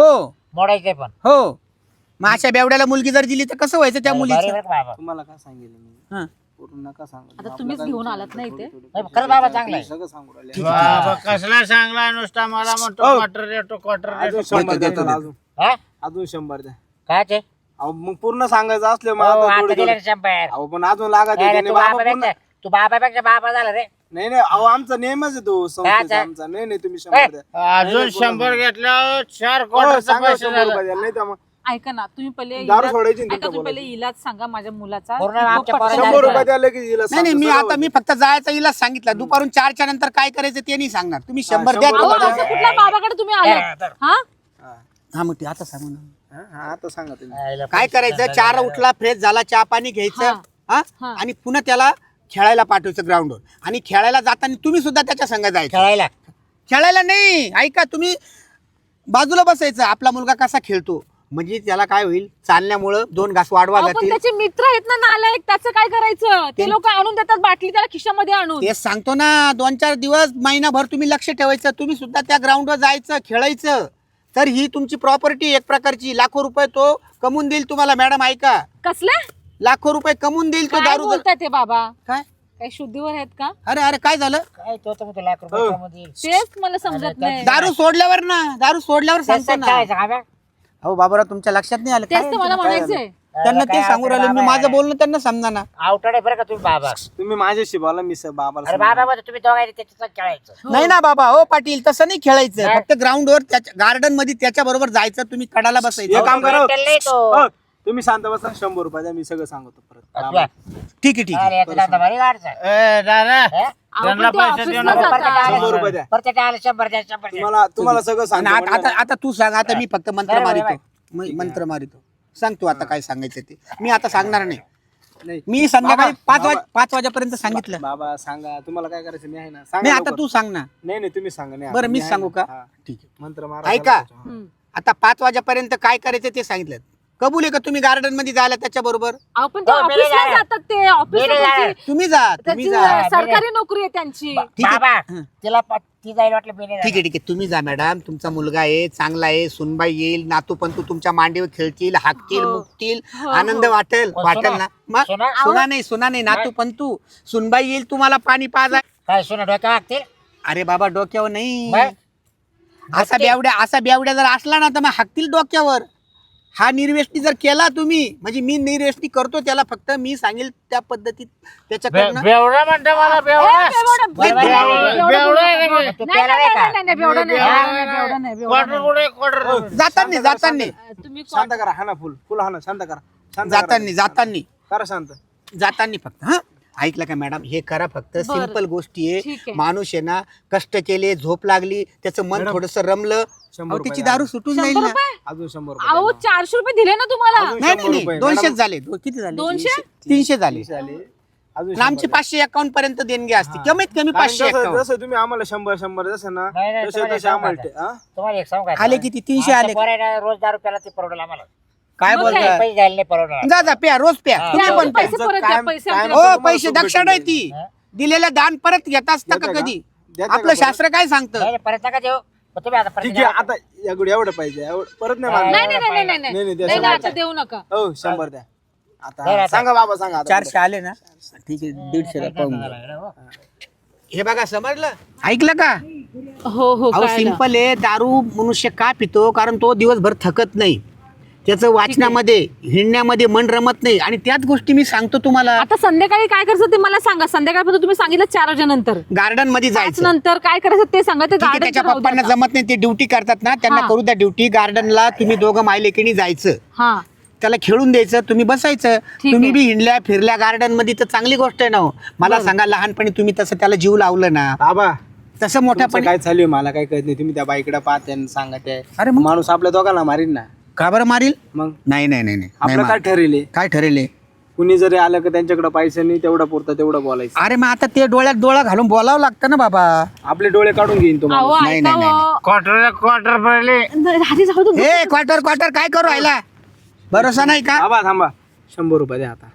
Speaker 3: मोडायचंय पण
Speaker 5: हो मग अशा बेवड्याला मुलगी जर दिली तर कसं व्हायचं त्या
Speaker 3: बरं
Speaker 5: मुलीचं
Speaker 3: बरं का बाबा
Speaker 1: तुम्हाला काय सांगितलं मी
Speaker 5: हा.
Speaker 1: पूर्ण नका सांगू
Speaker 4: आता तुम्हीच घेऊन आलात ना इथे
Speaker 3: नाही, खरं बाबा चांगलं आहे.
Speaker 1: सगळं सांगू राहिले बाबा कसला चांगला नुसता मला म्हणतो क्वार्टर देतो क्वार्टर
Speaker 2: अजून
Speaker 1: देतो
Speaker 2: शंभर द्या त्याला, अजून
Speaker 3: हा
Speaker 2: अजून शंभर द्या.
Speaker 3: काय ते
Speaker 2: अहो मग पूर्ण सांगायचं असलं मग
Speaker 3: हो,
Speaker 2: आता
Speaker 3: आता
Speaker 2: थोडी
Speaker 3: दिले
Speaker 2: थोडी-
Speaker 3: शंभर
Speaker 2: अहो पण अजून लागत
Speaker 3: अरे,
Speaker 2: आहे.
Speaker 3: तू
Speaker 2: बाबा
Speaker 3: बाबा
Speaker 2: पूर्ण-
Speaker 3: पेक्षा- तू बाबापेक्षा बाबा झाला रे
Speaker 2: नाही नाही अहो आमचा नेमच आहे तो संस्थेचा आमचा. नाही नाही तुम्ही शंभर द्या.
Speaker 1: अजून शंभर घेतल्यावर चार
Speaker 2: हो,
Speaker 1: क्वार्टरचा
Speaker 2: सांगा
Speaker 1: पैसे
Speaker 2: शंभर
Speaker 1: झाला
Speaker 2: रुपये द्या. नाही तर मग
Speaker 4: ऐका ना तुम्ही पहिले
Speaker 2: दारू
Speaker 4: इलाज-
Speaker 2: सोडायची ना
Speaker 4: ऐका
Speaker 2: तिथं
Speaker 4: तुम्ही पहिले
Speaker 2: बोलायचं.
Speaker 4: इलाज सांगा माझ्या मुलाचा
Speaker 3: पूर्ण
Speaker 4: तो
Speaker 3: आमच्या
Speaker 4: पटकन
Speaker 3: पोराला
Speaker 2: शंभर
Speaker 4: जायचा.
Speaker 2: रुपये द्यायला की हिला
Speaker 5: नाही नाही मी
Speaker 2: सांगतो,
Speaker 5: आता मी फक्त जायचा इलाज सांगितलं दुपारून चारच्या नंतर काय करायचं ते नाही सांगणार तुम्ही शंभर द्या
Speaker 2: शंभर
Speaker 4: अहो,
Speaker 2: रुपये
Speaker 4: असं कुठल्या बाबाकडे तुम्ही आलात हा
Speaker 2: हा.
Speaker 5: हा मग ते आता सांगू ना
Speaker 2: हा, हा, आता सांगा तुम्ही
Speaker 3: आईला
Speaker 5: काय करायचं चार उठला फ्रेश झाला चहा पाणी घ्यायचं हा
Speaker 4: हा.
Speaker 5: आणि पुन्हा त्याला खेळायला पाठवायचं ग्राउंडवर आणि खेळायला जाताना तुम्ही सुद्धा त्याच्या संग जायचं
Speaker 3: खेळायला
Speaker 5: खेळायला नाही ऐका तुम्ही बाजूला बसायचं आपला मुलगा कसा खेळतो म्हणजे त्याला काय होईल चालण्यामुळं दोन घास वाढवा
Speaker 4: अहो, पण
Speaker 5: जातील
Speaker 4: त्याचे मित्र आहेत ना नालायक त्याचं काय करायचं ते लोक आणून देतात बाटली त्याला खिशामध्ये आणून
Speaker 5: तेच सांगतो ना दोन चार दिवस महिनाभर तुम्ही लक्ष ठेवायचं तुम्ही सुद्धा त्या ग्राउंडवर जायचं खेळायचं तर ही तुमची प्रॉपर्टी एक प्रकारची लाखो रुपये तो कमवून देईल तुम्हाला मॅडम ऐका
Speaker 4: कसले
Speaker 5: लाखो रुपये कमवून देईल तो
Speaker 4: काय
Speaker 5: दारू जर-
Speaker 4: बोलताय ते बाबा
Speaker 5: काय
Speaker 4: काय शुद्धीवर आहेत का
Speaker 5: अरे अरे काय झालं
Speaker 3: काय तो तर म्हणतो लाख रुपये कमवतील.
Speaker 4: तेच मला समजत नाही
Speaker 5: दारू सोडल्यावर ना दारू सोडल्यावर सांगतो
Speaker 3: तसंच
Speaker 5: ना
Speaker 3: खेळायचं का बे?
Speaker 5: हो बाबूराव तुमच्या लक्षात नाही आलं
Speaker 4: तेच
Speaker 5: काय
Speaker 4: तर मला म्हणायचंय
Speaker 5: त्यांना ते
Speaker 3: काय
Speaker 5: सांगू राहिले मी
Speaker 3: बाबा
Speaker 5: माझं
Speaker 3: आहे.
Speaker 5: बोलणं त्यांना समजा ना
Speaker 3: आवटड आहे बरं का तुम्ही बाबा
Speaker 2: तुम्ही माझ्याशी बोला मी स- बाबाला
Speaker 3: अरे
Speaker 2: सांगतो.
Speaker 3: बाबा बोलतो, तुम्ही दोघांनी त्याच्यात खेळायचं
Speaker 5: नाही ना बाबा हो पाटील तसं नाही खेळायचं
Speaker 3: काय?
Speaker 5: फक्त ग्राउंडवर त्याच्या गार्डन मध्ये त्याच्या बरोबर जायचं तुम्ही कडाला
Speaker 2: एक
Speaker 5: बसायचं
Speaker 2: काम करा
Speaker 3: मेंटल नाही तो.
Speaker 2: हो, तुम्ही शांत बसा शंभर रुपये द्या मी सगळं सांगतो परत
Speaker 3: तुला-
Speaker 5: ठीक आहे ठीक आहे
Speaker 3: अरे, याचा धंदा भारी वाढचा.
Speaker 1: ए दादा
Speaker 3: हे?
Speaker 4: अहो,
Speaker 1: त्यांना
Speaker 4: पण ते
Speaker 1: पैसे
Speaker 4: ऑफिसला
Speaker 1: देऊ नका.
Speaker 4: जातात.
Speaker 3: परत आलं-
Speaker 2: शंभर रुपये द्या.
Speaker 3: परत आलं शंभर द्या शंभर द्या.
Speaker 2: तुम्हाला तुम्हाला सगळं
Speaker 5: आणि
Speaker 2: सांगतो
Speaker 5: आता आता आता तू सांग आता मी फक्त मंत्र
Speaker 3: बरं, बरं,
Speaker 5: मारितो म- मंत्र मारितो सांग तू आता काय सांगायचं ते मी आता सांगणार नाही
Speaker 2: नाही
Speaker 5: मी संध्याकाळी
Speaker 2: बाबा,
Speaker 5: पाच वाज
Speaker 2: बाबा.
Speaker 5: पाच वाजेपर्यंत सांगितलं
Speaker 2: बाबा सांगा तुम्हाला काय करायचं मी आहे ना सांगा
Speaker 5: नाही आता
Speaker 2: लवकर.
Speaker 5: तू सांग ना
Speaker 2: नाही नाही तुम्ही सांगा नाही
Speaker 5: बरं
Speaker 2: मी
Speaker 5: मीच
Speaker 2: आहे
Speaker 5: सांगू
Speaker 2: ना.
Speaker 5: का
Speaker 2: हा.
Speaker 5: ठीक आहे
Speaker 2: मंत्र मारा
Speaker 5: ऐका
Speaker 4: हम्म.
Speaker 5: आता पाच वाजेपर्यंत काय करायचं ते सांगितलं कबूल आहे का तुम्ही गार्डन मध्ये जायला त्याच्या बरोबर
Speaker 4: अहो पण ते
Speaker 3: हो, मेले
Speaker 4: ऑफिसला
Speaker 3: जाणार.
Speaker 4: जातात ते ऑफिसला
Speaker 3: मेले
Speaker 4: त्यांची-
Speaker 3: जाणार.
Speaker 5: तुम्ही जा तुम्ही
Speaker 4: त्याची
Speaker 5: जा
Speaker 3: मेले.
Speaker 4: सरकारी नोकरी आहे त्यांची
Speaker 5: ठीक आहे.
Speaker 3: बाबा
Speaker 5: हं.
Speaker 3: तिला प- ती जाईल वाटलं बेने
Speaker 5: ठीक आहे ठीक आहे तुम्ही जा मॅडम तुमचा मुलगा आहे चांगला आहे सुनबाई येईल नातू पंतू तुमच्या मांडीवर खेळतील हाकतील
Speaker 4: हो.
Speaker 5: मुकतील
Speaker 4: हो,
Speaker 5: आनंद
Speaker 4: हो.
Speaker 5: वाटेल
Speaker 3: हो,
Speaker 5: वाटेल
Speaker 3: सुना.
Speaker 5: ना मग
Speaker 3: सुना.
Speaker 5: सुना नाही सुना नाही नातू पंतू सुनबाई येईल तुम्हाला पाणी पाजा
Speaker 3: काय सोनं डोक्या वागतील
Speaker 5: अरे बाबा डोक्यावर नाही
Speaker 3: मग?
Speaker 5: असा बेवड्या असा बेवड्या जर असला ना तर मग हाकतील डोक्यावर हा निर्वेष्टी जर केला तुम्ही म्हणजे मी निर्वेष्टी करतो त्याला फक्त मी सांगेल त्या पद्धतीत त्याच्याकडनं
Speaker 1: बेवडा म्हणतो मला
Speaker 4: ए,
Speaker 1: बेवडा
Speaker 4: बेवडं-
Speaker 3: बरं, बरं,
Speaker 4: बेवडं-
Speaker 3: बरं,
Speaker 4: बेवडं-
Speaker 1: बेवडा आहे
Speaker 4: बेवडं-
Speaker 1: का?
Speaker 3: तू
Speaker 4: नाही,
Speaker 3: प्यायला
Speaker 4: नाही,
Speaker 3: नाही का?
Speaker 4: नाही, नाही, बेवडं नाही, बेवडं नाही, बेवडं नाही, बेवडं
Speaker 1: क्वार्टर
Speaker 4: नाही.
Speaker 1: कुठे क्वार्टर
Speaker 5: जाताना
Speaker 2: शांत करा,
Speaker 5: जाताना
Speaker 2: शांत
Speaker 4: तुम्ही
Speaker 2: शांत करा हा ना फुल फुल हा ना शांत करा शांत करा.
Speaker 5: जाताना जाताना
Speaker 2: करा शांत
Speaker 5: जाताना फक्त हा ऐकलं का मॅडम हे करा फक्त सिंपल गोष्टी
Speaker 4: ठीक
Speaker 5: आहे
Speaker 4: आहे.
Speaker 5: माणूस आहे ना कष्ट केले झोप लागली त्याचं मन
Speaker 2: मॅडम,
Speaker 5: थोडस रमलं
Speaker 2: शंभर
Speaker 5: अहो,
Speaker 2: रुपये
Speaker 5: तिची
Speaker 2: द्या.
Speaker 5: दारू सुटून जाईल
Speaker 4: शंभर
Speaker 5: ना
Speaker 4: रुपये
Speaker 2: अजून शंभर रुपये
Speaker 4: अहो
Speaker 2: द्या.
Speaker 4: चारशे रुपये दिले ना तुम्हाला
Speaker 2: अजून
Speaker 5: नाही
Speaker 2: शंभर
Speaker 5: नाही
Speaker 2: रुपये.
Speaker 5: दोनशेच
Speaker 2: मॅडम,
Speaker 5: झाले दो- किती झाले
Speaker 4: दोनशे
Speaker 5: तीनशे झाले
Speaker 2: तीनशे आले. अजून
Speaker 5: आणि आमचे
Speaker 2: शंभर द्या.
Speaker 5: पाचशे अकाउंट पर्यंत देणगी असते
Speaker 2: हा.
Speaker 5: कमीत कमी
Speaker 2: कारण
Speaker 5: पाचशे
Speaker 2: जसं
Speaker 5: अकाउंट
Speaker 2: जसं तुम्ही आम्हाला शंभर शंभर जसं ना
Speaker 3: नाही, नाही,
Speaker 2: तसे
Speaker 3: तुम्हाला
Speaker 2: तसे
Speaker 3: एक
Speaker 2: आम्हाला
Speaker 3: सांगू
Speaker 2: ते- हा?
Speaker 3: तुम्हाला एक सांगू का
Speaker 5: आले किती तीनशे आले
Speaker 3: आमच्या पोरांना रोज दारू प्याला ते परवडेल आम्हाला
Speaker 5: काय
Speaker 4: मग
Speaker 5: बोलताय
Speaker 3: पैसे द्यायला नाही परवडणार
Speaker 5: जा जा प्या रोज प्या
Speaker 3: हा.
Speaker 5: तुम्ही
Speaker 4: द्या,
Speaker 5: पण प्या
Speaker 4: पैसे परत द्या,
Speaker 2: कायम-
Speaker 4: पैसे
Speaker 2: कायम-
Speaker 4: आमच्याकडे.
Speaker 5: हो पैसे दक्षिण आहे ती
Speaker 3: हा?
Speaker 5: दिलेलं दान परत घेत असता का
Speaker 2: देता का?
Speaker 5: कधी
Speaker 2: देता
Speaker 5: आपलं
Speaker 2: का परत?
Speaker 5: शास्त्र काय सांगतं
Speaker 3: नाही, नाही, परत नका देऊ पण तुम्ही आता परत
Speaker 2: ठीक
Speaker 3: द्या.
Speaker 2: आहे आता एवढं एवढं पाहिजे एवढं परत नाही
Speaker 3: नाही,
Speaker 2: मागणार.
Speaker 4: नाही नाही नाही नाही
Speaker 2: नाही,
Speaker 4: नाही
Speaker 2: नाही, द्या
Speaker 4: नाही,
Speaker 2: शंभर
Speaker 4: आता देऊ नका
Speaker 2: हो शंभर द्या
Speaker 3: नाही,
Speaker 2: आता
Speaker 3: आता.
Speaker 2: सांगा बाबा सांगा आता.
Speaker 5: चारशे आले ना ठीक आहे दीडशे पाहून घ्या. हे बघा समजलं ऐकलं का
Speaker 4: हो हो
Speaker 5: अहो
Speaker 4: कळलं.
Speaker 5: सिंपल आहे दारू मनुष्य का पितो कारण तो दिवसभर थकत नाही त्याचं वाचण्यामध्ये हिंडण्यामध्ये मन रमत नाही आणि त्याच गोष्टी मी सांगतो तुम्हाला
Speaker 4: आता संध्याकाळी काय करायचं ते मला सांगा संध्याकाळपर्यंत तुम्ही सांगितलं चार वाजेनंतर
Speaker 5: गार्डन मध्ये
Speaker 4: पाच
Speaker 5: जायचं
Speaker 4: नंतर काय करायचं ते सांगा ते
Speaker 5: ठीक आहे
Speaker 4: गार्डन
Speaker 5: त्याच्या पप्पांना जमत नाही ते ड्युटी करतात ना त्यांना
Speaker 4: हा.
Speaker 5: करू द्या ड्युटी गार्डनला तुम्ही दोघं मायलेकीनी जायचं
Speaker 4: हा
Speaker 5: त्याला खेळून द्यायचं तुम्ही बसायचं
Speaker 4: ठीक
Speaker 5: तुम्ही
Speaker 4: आहे.
Speaker 5: बी हिंडल्या फिरल्या गार्डन मध्ये तर चांगली गोष्ट आहे ना हो. मला सांगा लहानपणी तुम्ही तसं त्याला जीव लावलं ना
Speaker 2: बाबा
Speaker 5: तसं
Speaker 2: तुमचं
Speaker 5: मोठ्यापणी
Speaker 2: काय चालू आहे मला काय कळत नाही तुम्ही त्या बाईकडे पाहते आणि सांगते
Speaker 5: अरे मग
Speaker 2: माणूस आपल्या दोघांना मारीन ना
Speaker 5: का बरं मारील
Speaker 2: मग
Speaker 5: नाही नाही नाही नाही
Speaker 2: आपलं
Speaker 5: नाही
Speaker 2: काय
Speaker 5: मार-
Speaker 2: ठरेल
Speaker 5: काय ठरेल
Speaker 2: कुणी जरी आलं का त्यांच्याकडे पैसे नाही तेवढा पुरता तेवढं बोलायचं
Speaker 5: अरे मग आता ते डोळ्यात डोळा घालून बोलावं लागतं ना बाबा
Speaker 2: आपले डोळे काढून घेईन तुम्हाला
Speaker 4: अहो
Speaker 5: नाही,
Speaker 4: ऐका
Speaker 5: नाही,
Speaker 4: हो.
Speaker 1: क्वार्टर क्वार्टर पडले
Speaker 4: आधी जाऊ दे.
Speaker 5: हे क्वार्टर क्वार्टर काय करू राहिला भरोसा नाही का
Speaker 2: थांबा थांबा शंभर रुपये द्या आता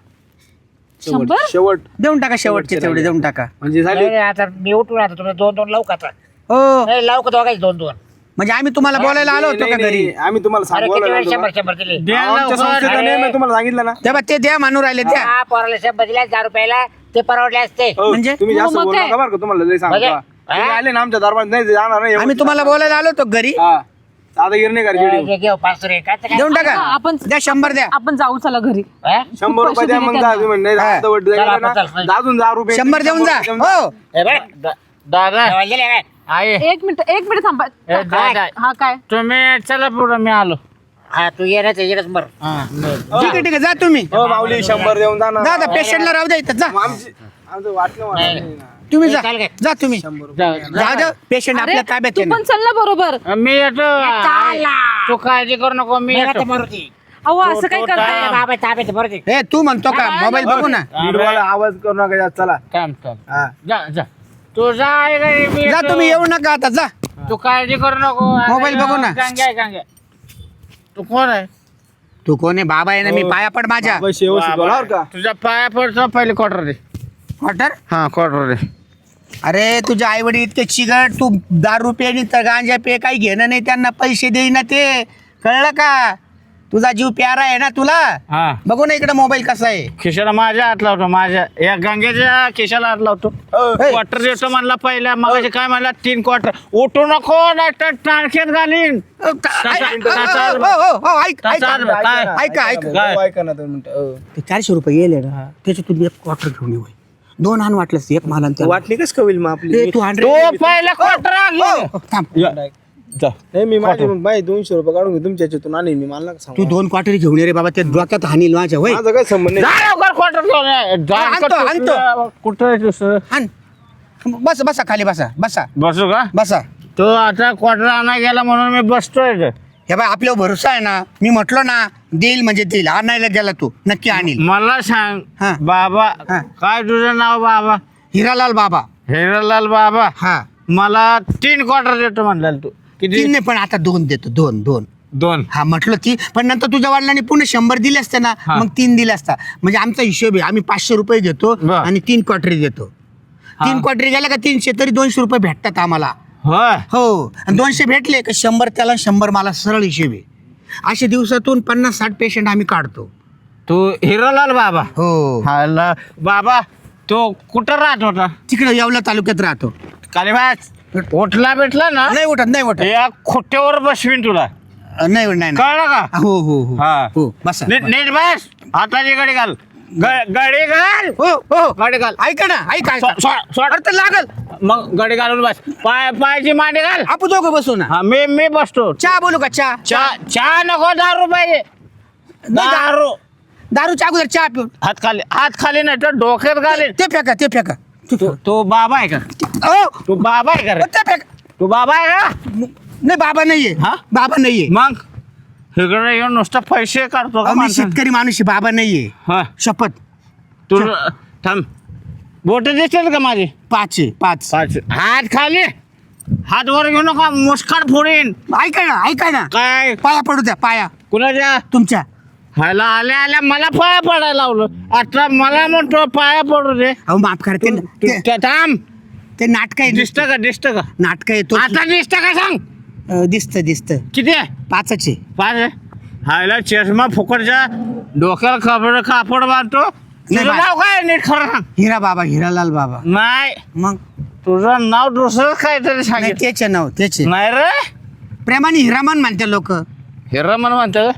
Speaker 2: शेवट
Speaker 4: शंभर?
Speaker 2: शेवट
Speaker 5: देऊन टाका शेवटचे तेवढे देऊन टाका
Speaker 2: म्हणजे
Speaker 3: नाही,
Speaker 2: झाले
Speaker 3: नाही, आता मी उठून आता तुम्ही दोन दोन लावू का आता
Speaker 5: हो
Speaker 3: नाही लावू का दोघायचे दोन दोन
Speaker 5: म्हणजे आम्ही तुम्हाला बोलायला आलो होतो का घरी?
Speaker 2: आम्ही तुम्हाला
Speaker 3: अरे किती
Speaker 2: सांगू
Speaker 3: वेळ शंभर शंभर दिले
Speaker 1: द्या
Speaker 2: आमच्या
Speaker 1: लवकर.
Speaker 2: संस्थेचा
Speaker 3: अरे.
Speaker 2: नेम आहे, तुम्हाला सांगितलं ना.
Speaker 5: तेव्हा ते द्या म्हणून राहिले द्या.
Speaker 3: हा, पोराला शंभर दिले दहा रुपयाला ते परवडले असते
Speaker 2: हो,
Speaker 5: म्हणजे?
Speaker 2: तुम्ही जास्त
Speaker 4: हो, मग
Speaker 2: बोलू
Speaker 4: काय?
Speaker 2: नका बरं का, तुम्हाला लय सांगतो.
Speaker 3: म्हणजे?
Speaker 2: तुम्ही
Speaker 3: हा?
Speaker 2: आले ना आमच्या दरबारात नाही जाणार नाही.
Speaker 5: आम्ही तुम्हाला बोलायला आलो होतो घरी.
Speaker 2: हा आता गिरणे कर जेडी
Speaker 3: हे घेऊ पाचशे रे काय ते काय?
Speaker 5: देऊन टाका.
Speaker 4: हा, आपण
Speaker 5: द्या शंभर द्या.
Speaker 4: आपण जाऊ चला घरी.
Speaker 3: हा?
Speaker 2: शंभर रुपये द्या मग
Speaker 4: पैसे
Speaker 2: जा
Speaker 4: दिले
Speaker 2: तुम्ही नाही
Speaker 5: हा.
Speaker 2: आता वड्डी
Speaker 3: चला,
Speaker 2: द्यायला ना
Speaker 3: आपण चल.
Speaker 2: अजून दहा रुपये
Speaker 5: शंभर देऊन जा. हो
Speaker 3: हे बघ,
Speaker 1: दा- दादा
Speaker 3: जेवायला दिले काय?
Speaker 1: आई
Speaker 4: एक मिनिट एक मिनिट थांबा.
Speaker 1: ए, दादा
Speaker 4: हा काय
Speaker 1: तुम्ही चला पुढं मी आलो.
Speaker 3: हा तू ये ना त्याच्याकडेच मर
Speaker 1: हा
Speaker 5: ठीक आहे ठीक आहे जा तुम्ही.
Speaker 2: हो माऊली शंभर देऊन जा ना.
Speaker 5: दादा पेशंटला राहू द्या इथं जा.
Speaker 2: मग आमची आमचं वाटलं मला
Speaker 3: नाही.
Speaker 2: नाही ना.
Speaker 5: तुम्ही जा
Speaker 3: चाल काय?
Speaker 5: जा तुम्ही.
Speaker 1: जा-
Speaker 5: जा जा पेशंट
Speaker 4: अरे
Speaker 5: आपल्या ताब्यात
Speaker 4: तू
Speaker 5: आहे ना.
Speaker 4: पण चल ना बरोबर.
Speaker 1: मी येतो.
Speaker 3: चालला.
Speaker 1: तू काळजी करू नको मी
Speaker 3: मेला
Speaker 1: येतो.
Speaker 3: तर मारुती.
Speaker 4: अहो असं काय
Speaker 1: तो-
Speaker 4: करताय?
Speaker 1: तो-
Speaker 3: बाबा ताब्यात आहे, मारुती.
Speaker 5: ए तू म्हणतो का मोबाईल बघू ना.
Speaker 2: नीटवाला आवाज करू नका जास्त, चला.
Speaker 1: थांब थांब
Speaker 2: हा
Speaker 1: जा जा तू जा आई घरी, मी
Speaker 5: जा
Speaker 1: येतो.
Speaker 5: तुम्ही येऊ नका आता जा.
Speaker 1: तू काळजी करू नको.
Speaker 5: मोबाईल बघू ना.
Speaker 1: गांग्या गांग्या तू कोण आहे?
Speaker 5: तू कोण आहे? बाबा आहे ना मी पाया पड माझ्या.
Speaker 2: बाबा शेवशी बोला बरं का.
Speaker 1: तुझ्या पाया पडतो पहिले क्वार्टर दे.
Speaker 5: क्वार्टर
Speaker 1: हा क्वार्टर दे.
Speaker 5: अरे तुझे आई वडील इतके चिगट तू दारू रुपये तर गांजा पे काही घेणं नाही त्यांना पैसे देईना ते कळलं का? तुझा जीव प्यारा आहे ना तुला.
Speaker 1: हा
Speaker 5: बघू ना इकडे मोबाईल कसा आहे.
Speaker 1: खिशाला माझ्या हात लावतो माझ्या या गंगेच्या खिशाला हात लावतो. क्वार्टर देतो म्हणला पहिला मग काय म्हणला तीन क्वार्टर. उठू नको नाही तर टाळक्यात घालीन.
Speaker 5: अ, का-
Speaker 1: तासा-
Speaker 5: ऐ- अ,
Speaker 1: तासा-
Speaker 5: अ, हो, हो, हो, ऐक-
Speaker 1: तासा-
Speaker 5: ऐका.
Speaker 1: काय?
Speaker 5: ऐका ऐका
Speaker 1: काय?
Speaker 2: हो, ऐका ना दोन मिनिटं. हो.
Speaker 5: ते चारशे रुपये येले ना त्याच्यातून एक क्वार्टर घेऊन ये होय. दोन आण वाटलंस एक माला आणि त्याला.
Speaker 2: वाटली कस कविल मग आपली
Speaker 5: ए, तू हंड्रेड
Speaker 1: तो पहिला क्वार्टर
Speaker 5: हो, थांब.
Speaker 2: नाही मी माझे माझे दोनशे रुपये काढून घेऊ तुमच्या याच्यातून आणि मी मला नका सांगू.
Speaker 5: तू दोन क्वार्टर घेऊन ये रे बाबा. ते डोक्यात हानील माझ्या होय.
Speaker 2: माझा काय संबंध नाही.
Speaker 1: क्वार्टर
Speaker 5: आणतो, आणतो.
Speaker 1: कुठं आहे दुसरं?
Speaker 5: हाण. बस बसा खाली बसा बसा
Speaker 1: बसू का?
Speaker 5: बसा.
Speaker 1: तो आता क्वार्टर आणा गेला म्हणून मी बसतोय इथं.
Speaker 5: हे बाय आपल्यावर भरोसा आहे ना. मी म्हटलो ना देईल म्हणजे देईल. आणायला गेला तू नक्की आणील.
Speaker 1: मला सांग
Speaker 5: हा.
Speaker 1: बाबा
Speaker 5: हा.
Speaker 1: काय तुझं नाव बाबा?
Speaker 5: हिरालाल बाबा.
Speaker 1: हिरालाल बाबा.
Speaker 5: हा
Speaker 1: मला तीन क्वार्टर देतो म्हणला तू. किती?
Speaker 5: तीन नाही पण आता दोन देतो दोन दोन.
Speaker 1: दोन.
Speaker 5: हा म्हटलं ती पण नंतर तुझ्या वडिलांनी पुन्हा शंभर दिले असते ना
Speaker 1: हा.
Speaker 5: मग तीन दिले असता. म्हणजे आमचा हिशोब आहे. आम्ही पाचशे रुपये घेतो
Speaker 1: बर.
Speaker 5: आणि तीन क्वार्टरी देतो.
Speaker 1: हा.
Speaker 5: तीन क्वार्टरी गेल्या का तीनशे तरी दोनशे रुपये भेटतात आम्हाला.
Speaker 1: होय
Speaker 5: हो आणि दोनशे भेटले का शंभर त्याला शंभर मला सरळ हिशोब आहे. अशा दिवसातून पन्नास साठ पेशंट आम्ही काढतो.
Speaker 1: तू हिरालाल बाबा.
Speaker 5: हो
Speaker 1: हाला बाबा तो कुठं राहत होता?
Speaker 5: तिकडे येवला तालुक्यात राहतो.
Speaker 1: कालिबाज उठला भेटला ना
Speaker 5: नाही उठत नाही उठत
Speaker 1: या खोट्यावर बसवीन तुला.
Speaker 5: नाही उठत, नाही नाही.
Speaker 1: कळलं का?
Speaker 5: हो हो हो
Speaker 1: हा.
Speaker 5: हो बसा
Speaker 1: नीट नीट बस. हाताची गाडी घाल. ग- गाडी घाल.
Speaker 5: हो हो
Speaker 1: गाडी घाल.
Speaker 5: ऐका ना ऐका
Speaker 1: सो- सो- सोड.
Speaker 5: अरे तर लागल.
Speaker 1: मग गाडी घालून बस. पाय पायाची मांडी घाल.
Speaker 5: आपण दोघं बसू ना.
Speaker 1: हा मी मी बसतो.
Speaker 5: चहा बोलू का चहा?
Speaker 1: चहा चहा नको दारू पाहिजे.
Speaker 5: नाही, दा-
Speaker 1: दारू.
Speaker 5: दारूच्या अगोदर चहा पिऊन
Speaker 1: हात खाली हात खाली नाही तर डोक्यात घालीन.
Speaker 5: ते फेका ते फेका
Speaker 1: तू तू बाबा आहे का?
Speaker 5: ओ
Speaker 1: तू बाबा आहे का रे?
Speaker 5: ते फेका.
Speaker 1: तू बाबा आहे का?
Speaker 5: नाही बाबा नाहीये.
Speaker 1: हा?
Speaker 5: बाबा नाहीये.
Speaker 1: मग इकडे येऊन नुसतं पैसे काढतो का
Speaker 5: अहो, मी
Speaker 1: माणसाने?
Speaker 5: शेतकरी माणूस आहे. बाबा नाहीये.
Speaker 1: हा
Speaker 5: शपथ.
Speaker 1: तू थांब. बोट दिसतील का माझी?
Speaker 5: पाच आहे पाच.
Speaker 1: पाच. हात खाली. हात वर घेऊ नका मुस्काट फोडीन.
Speaker 5: ऐका ना ऐका ना
Speaker 1: काय
Speaker 5: पाया पडू द्या पाया
Speaker 1: कुणाच्या?
Speaker 5: तुमच्या.
Speaker 1: ह्याला आल्या आल्या मला पाया पडायला लावलं. आता मला म्हणतो पाया पडू दे.
Speaker 5: अहो माफ करा ते
Speaker 1: तू-
Speaker 5: ते-
Speaker 1: ते- थांब.
Speaker 5: ते नाटक आहे.
Speaker 1: दिसत का दिसत का?
Speaker 5: नाटक आहे तो.
Speaker 1: आता दिसत का सांग?
Speaker 5: दिसत दिसत
Speaker 1: किती आहे?
Speaker 5: पाचच आहे.
Speaker 1: पाच आहे. हायला चष्मा फुकटच्या डोक्याला कापड कापड बांधतो. तुझं
Speaker 5: बा-
Speaker 1: नाव काय आहे? नीट खरं सांग.
Speaker 5: हिरा बाबा हिरालाल बाबा.
Speaker 1: नाही
Speaker 5: मग
Speaker 1: तुझं नाव दुसरंच काहीतरी
Speaker 5: नाही
Speaker 1: सांगितलं.
Speaker 5: तेच आहे नाव तेच आहे.
Speaker 1: नाही रे
Speaker 5: प्रेमाने हिरामन म्हणते लोक.
Speaker 1: हिरा मला म्हणतात.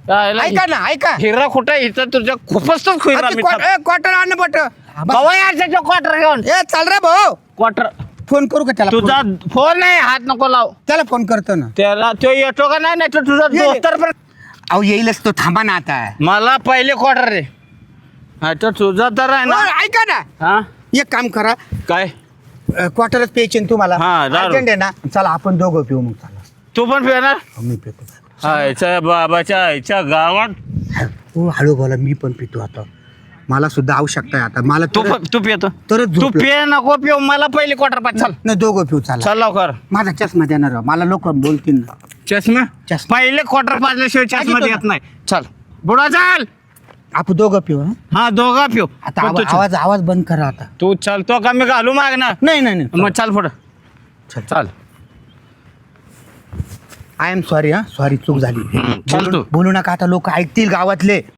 Speaker 5: ऐका ना ऐका.
Speaker 1: हिरा कुठं इथं तुझ्या खूपच तो हिरा मी
Speaker 5: क्वार्टर आण पट.
Speaker 1: कवा यायचं क्वार्टर घेऊन
Speaker 5: ए चाल रे भाऊ.
Speaker 1: क्वार्टर.
Speaker 5: फोन करू का त्याला?
Speaker 1: तुझा
Speaker 5: फोन-
Speaker 1: फोन नाही हात नको लाव.
Speaker 5: त्याला फोन करतो ना.
Speaker 1: त्याला तो येतो का नाही नाही तर तुझा
Speaker 5: ये-
Speaker 1: दोस्तर पण.
Speaker 5: अहो येईलच तो. थांबा ना आता.
Speaker 1: मला पहिले क्वार्टर रे. आता तुझा तर आहे
Speaker 5: हो,
Speaker 1: ना.
Speaker 5: ऐका ना
Speaker 1: हा
Speaker 5: एक काम करा.
Speaker 1: काय
Speaker 5: क्वार्टरच प्यायचे ना तुम्हाला.
Speaker 1: हा, दारू.
Speaker 5: अर्जंट आहे ना. चला आपण दोघं पिऊ मग. चला
Speaker 1: तू पण पिणार?
Speaker 5: हो, मी पितो.
Speaker 1: आयच्या बाबाच्या आईच्या गावात
Speaker 5: हो हळू बोला. मी पण पितो आता. मला सुद्धा आवश्यकता आहे आता. मला
Speaker 1: तू
Speaker 5: तर-
Speaker 1: प- तू पितो.
Speaker 5: तरच
Speaker 1: तू
Speaker 5: झोपलं.
Speaker 1: पिय नको पिऊ. मला पहिले क्वार्टर पाच. चल
Speaker 5: नाही दोघं पिऊ. चला
Speaker 1: चल लवकर.
Speaker 5: माझा चष्मा देणार राव. मला लोक बोलतील ना.
Speaker 1: चष्मा
Speaker 5: चष्मा.
Speaker 1: पहिले क्वार्टर पाजल्याशिवाय चष्मा
Speaker 5: घेतो
Speaker 1: देत नाही. चल बुडा चाल.
Speaker 5: आपण दोघं पिऊ. हं?
Speaker 1: हा दोघा पिऊ.
Speaker 5: आता
Speaker 1: पण
Speaker 5: आवा-
Speaker 1: तू चल.
Speaker 5: आवाज आवाज बंद करा आता.
Speaker 1: तू चलतो का मी घालू माग ना?
Speaker 5: नाही नाही नाही
Speaker 1: मग चाल पुढं.
Speaker 5: चल.
Speaker 1: चाल.
Speaker 5: आय एम सॉरी हा सॉरी चूक झाली
Speaker 1: चल तू.
Speaker 5: बोलू नका आता लोक ऐकतील गावातले